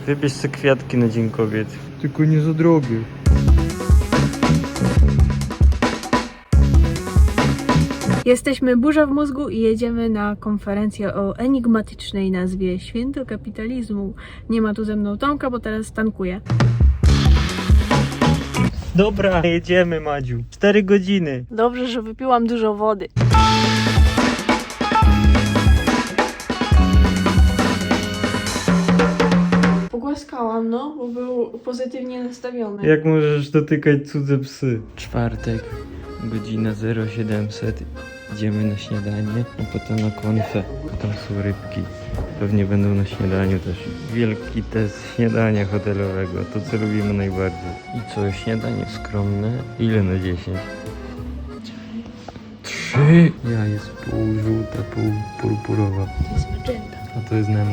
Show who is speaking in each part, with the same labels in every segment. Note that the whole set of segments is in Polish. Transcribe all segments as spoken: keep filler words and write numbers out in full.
Speaker 1: Wybierz sobie kwiatki na Dzień Kobiet. Tylko nie za drogie.
Speaker 2: Jesteśmy burza w mózgu i jedziemy na konferencję o enigmatycznej nazwie Święto Kapitalizmu. Nie ma tu ze mną Tomka, bo teraz tankuje.
Speaker 1: Dobra, jedziemy, Madziu. Cztery godziny.
Speaker 2: Dobrze, że wypiłam dużo wody. Pogłaskałam, no, bo był pozytywnie nastawiony.
Speaker 1: Jak możesz dotykać cudze psy? Czwartek, godzina zero siedemset. Idziemy na śniadanie, a potem na konfę. Tam są rybki. Pewnie będą na śniadaniu też. Wielki test śniadania hotelowego. To, co lubimy najbardziej. I co, śniadanie skromne? Ile na dziesięć? Trzy! Ja jest pół żółta, pół purpurowa.
Speaker 2: To jest magenta.
Speaker 1: A to jest Nemo.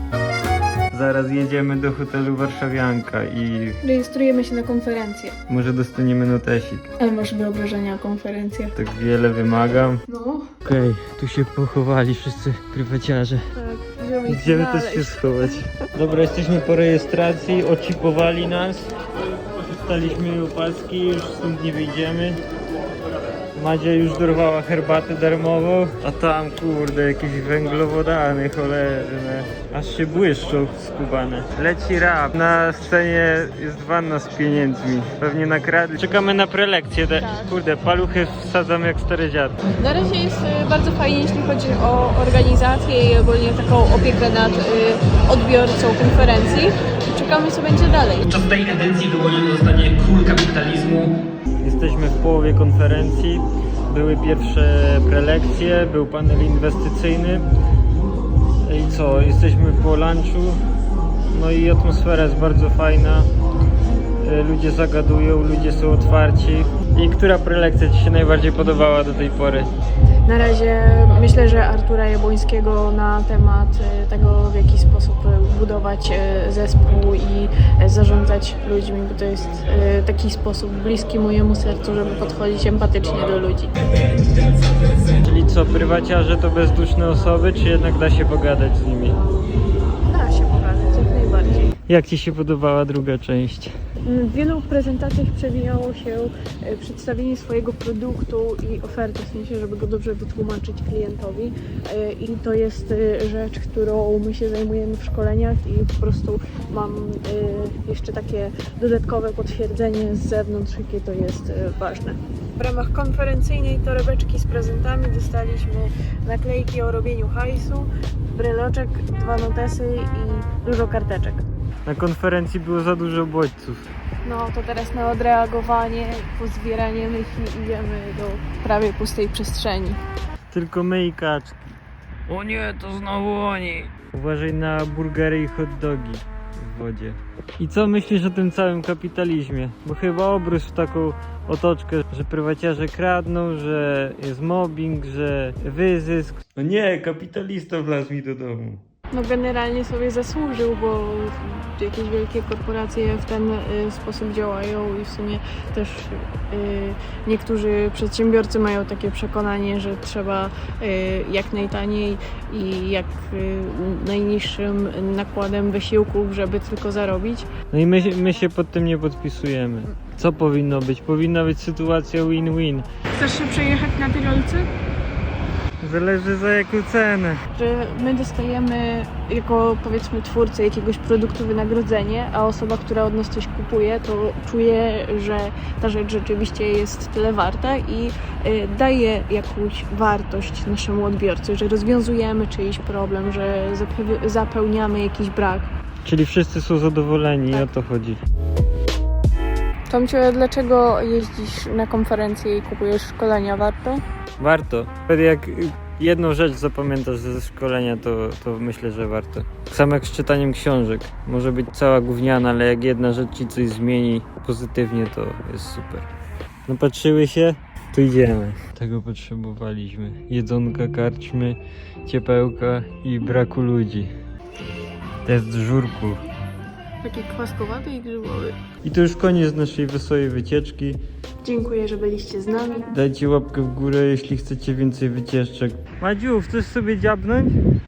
Speaker 1: Zaraz jedziemy do hotelu Warszawianka i
Speaker 2: Rejestrujemy się na konferencję.
Speaker 1: może dostaniemy notesik.
Speaker 2: Ale masz wyobrażenia o konferencjach.
Speaker 1: Tak wiele wymagam.
Speaker 2: No.
Speaker 1: Okej, okay, tu się pochowali wszyscy prywaciarze.
Speaker 2: Tak, idziemy ich
Speaker 1: Idziemy
Speaker 2: znaleźć.
Speaker 1: też się schować. Dobra, jesteśmy po rejestracji, oczipowali nas. Dostaliśmy opaski, już stąd nie wyjdziemy. Madzia już dorwała herbatę darmową, a tam kurde jakieś węglowodany cholerne. Aż się błyszczą skubane. Leci rap, na scenie jest wanna z pieniędzmi. Pewnie nakradli. Czekamy na prelekcję. Te,
Speaker 2: Tak.
Speaker 1: Kurde, paluchy wsadzam jak stary dziad.
Speaker 2: Na razie jest y, bardzo fajnie, jeśli chodzi o organizację i ogólnie taką opiekę nad y, odbiorcą konferencji. Czekamy, co będzie dalej.
Speaker 3: Podczas tej edycji wyłoniony zostanie król kapitalizmu.
Speaker 1: Jesteśmy w połowie konferencji. Były pierwsze prelekcje, był panel inwestycyjny. I co? Jesteśmy po lunchu. No i atmosfera jest bardzo fajna. Ludzie zagadują, ludzie są otwarci. I która prelekcja Ci się najbardziej podobała do tej pory?
Speaker 2: Na razie myślę, że Artura Jabłońskiego na temat y, tego, w jaki sposób y, budować y, zespół i y, zarządzać ludźmi, bo to jest y, taki sposób bliski mojemu sercu, żeby podchodzić empatycznie do ludzi.
Speaker 1: Czyli co, prywaciarze to bezduszne osoby, czy jednak da się pogadać z nimi?
Speaker 2: Da się pogadać, jak najbardziej.
Speaker 1: Jak Ci się podobała druga część?
Speaker 2: W wielu prezentacjach przewijało się e, przedstawienie swojego produktu i oferty, w sensie, żeby go dobrze wytłumaczyć klientowi. E, I to jest e, rzecz, którą my się zajmujemy w szkoleniach i po prostu mam e, jeszcze takie dodatkowe potwierdzenie z zewnątrz, jakie to jest e, ważne. W ramach konferencyjnej torebeczki z prezentami dostaliśmy naklejki o robieniu hajsu, breloczek, dwa notesy i dużo karteczek.
Speaker 1: Na konferencji było za dużo bodźców.
Speaker 2: No to teraz na odreagowanie, pozbieranie myśli idziemy do prawie pustej przestrzeni.
Speaker 1: Tylko my i kaczki. O nie, to znowu oni. Uważaj na burgery i hot dogi w wodzie. I co myślisz o tym całym kapitalizmie? Bo chyba obrósł w taką otoczkę, że prywaciarze kradną, że jest mobbing, że wyzysk. No nie, kapitalista wlazł mi do domu.
Speaker 2: No generalnie sobie zasłużył, bo jakieś wielkie korporacje w ten y, sposób działają i w sumie też y, niektórzy przedsiębiorcy mają takie przekonanie, że trzeba y, jak najtaniej i jak y, najniższym nakładem wysiłków, żeby tylko zarobić.
Speaker 1: No i my, my się pod tym nie podpisujemy. Co powinno być? Powinna być sytuacja win-win.
Speaker 2: Chcesz się przejechać na Tyrolce?
Speaker 1: Zależy za jaką cenę.
Speaker 2: Że my dostajemy jako, powiedzmy, twórcy jakiegoś produktu wynagrodzenie, a osoba, która od nas coś kupuje, to czuje, że ta rzecz rzeczywiście jest tyle warta i y, daje jakąś wartość naszemu odbiorcy, że rozwiązujemy czyjś problem, że zape- zapełniamy jakiś brak.
Speaker 1: Czyli wszyscy są zadowoleni,
Speaker 2: Tak.
Speaker 1: o to chodzi.
Speaker 2: Tomciu, dlaczego jeździsz na konferencje i kupujesz szkolenia? Warto?
Speaker 1: Warto. Jak jedną rzecz zapamiętasz ze szkolenia, to, to myślę, że warto. Tak samo jak z czytaniem książek. Może być cała gówniana, ale jak jedna rzecz ci coś zmieni pozytywnie, to jest super. No patrzyły się? Tu idziemy. Tego potrzebowaliśmy. Jedzonka, karczmy, ciepełka i braku ludzi. Test żurku.
Speaker 2: Taki kwaskowaty i grzybowy.
Speaker 1: I to już koniec naszej wesołej wycieczki.
Speaker 2: Dziękuję, że byliście z nami.
Speaker 1: Dajcie łapkę w górę, jeśli chcecie więcej wycieczek. Madziu, chcesz sobie dziabnąć?